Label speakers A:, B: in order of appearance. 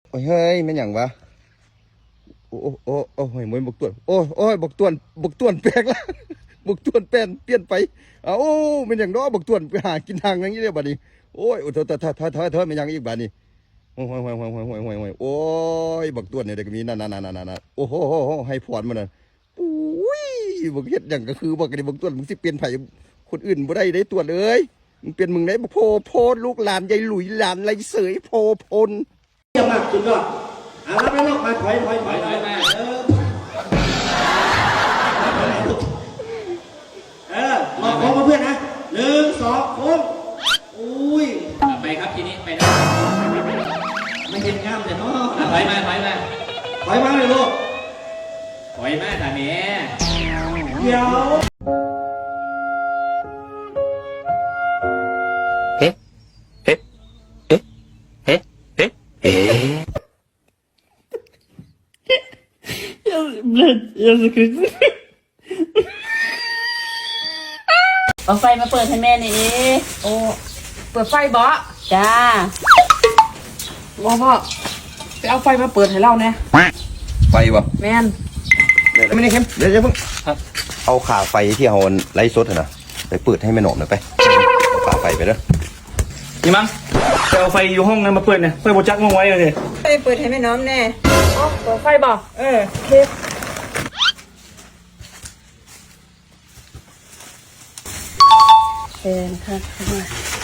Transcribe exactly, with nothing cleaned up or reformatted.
A: โอ้ยเฮ้ยมันหยังวะโอ้โอ้โอ้โอ้ยมวยบกตวนโอ้โอ้ยบกตวนบกตวนแปลกละบกตวนแปลนเปลี่ยนไปอ้าวมันหยังน้อบกตวนไปหากินทางอย่างนี้เลยบัดนี้โอ้ยโอ้ยเถอะเถอะเถอะเถอะเถอะมันหยังอีกบัดนี้โอ้ยโอ้ยโอ้ยโอ้ยโอ้ยโอ้ยโอ้ยโอ้ยบกตวนเนี่ยเด็กมีนั่นนั่นนั่นนั่นนั่นโอ้โหให้พรมันน่ะอุ้ยบกเฮ็ดหยังก็คือบอกกันบกตวนมึงสิเปลี่ยนไผคนอื่นบ่ได้ได้ตวนเลยมึงเปลี่ยนมึงได้โพโพลูกหลานยายหลุยหลานไรเสยโพพล
B: เยี่ยมมากสุดยอดเอารับแล้วลูกมาถอยถอยถอยถอยมาเออเออรอของเพื่อนนะหนึ่งสองโค้งอุ้ย
C: ไปครับทีนี้ไปนะ
B: ไม่เห็นงามแต่เนาะ
C: ถอยมาถอยมา
B: ถอยมาเลยลูก
C: ถอยมาแต่แม่
B: เดี๋ยว
A: เฮ้เฮ้เฮ้เฮ้เฮ้เฮ้
D: Блядь, я закричу. เอาไฟมาเปิดให้แม่หน่อยดิโอ้เปิดไฟบ่จ้าบ่พ่อไปเอาไฟมาเปิดให้เราเนี่ย
A: ไฟบ่
D: แม่น
A: เดี๋ยวไม่ได้เข้มเดี๋ยวจะเพิ่งเอาขาไฟที่เอาไล่สดนะไปเปิดให้แม่หนอมหน่อยไปเอาขาไฟไปเด้อ
E: นี่มั้งไปเอาไฟอยู่ห้องนั้นมาเปิดเนี่ยไฟโบจักมองไว้เลย
D: ไปเปิดให้แม่น้อมแน่อ๋อเปิดไฟบ่เออโอเคเป็นค่ะ